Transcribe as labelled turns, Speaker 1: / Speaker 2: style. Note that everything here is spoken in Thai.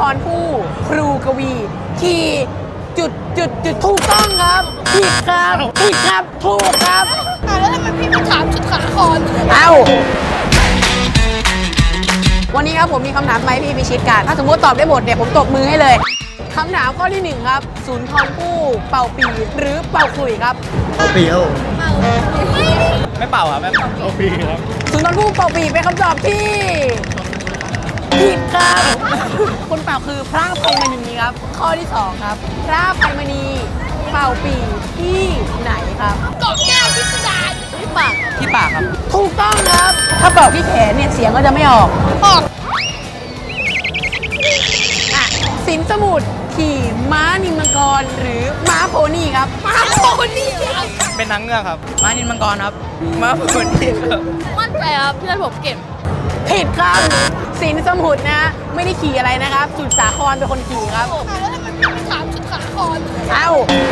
Speaker 1: รภู่ครูกวีขี่จุดถูกต้องครับผิดครับถูกครับ
Speaker 2: แล้วทำไมพี่มาถามชุดขาคอน
Speaker 1: เอาวันนี้ครับผมมีคำถามมาให้พี่พิชิตกันถ้าสมมติตอบได้หมดเนี่ยผมตบมือให้เลยคำถามข้อที่1ครับสุนทรภู่เป่าปีหรือเป่าขลุ่ยครับ
Speaker 3: เอาปีครับผม
Speaker 4: ไม่เป่าครับไม่เป่า
Speaker 3: เอาปีครับ
Speaker 1: สุนทรภู่เป่าปีเป็นคำตอบที่ผิดครับ คนเป่าคือพระอภัยมณีครับ ข้อที่2ครับพระอภัยมณีเป่าปีที่ไหนครับ
Speaker 2: เกาะแก้วพิสดารที่ปาก
Speaker 4: ที่ปากครับ
Speaker 1: ถูกต้องครับ ถ้าเป่าที่แขนเนี่ยเสียงก็จะไม่ออก
Speaker 2: ออก
Speaker 1: อ่ะสินสมุทรขี่ม้านิมมังกรหรือม้าโพนี่ครับ
Speaker 2: มาโคนี่ครับ
Speaker 4: เป็นนางเงือกครับ ม้านินมังกรครับ ม้าผลนี่ครับ
Speaker 2: มั่นใจครับเพื่อนผมเก็บ
Speaker 1: ผิดครับสินสมุทรนะไม่ได้ขี่อะไรนะครับ สุดสาครเป็นคนขี่ครับ
Speaker 2: แล้วทำไมพี่มาถามชุดขาคอน
Speaker 1: เอ้า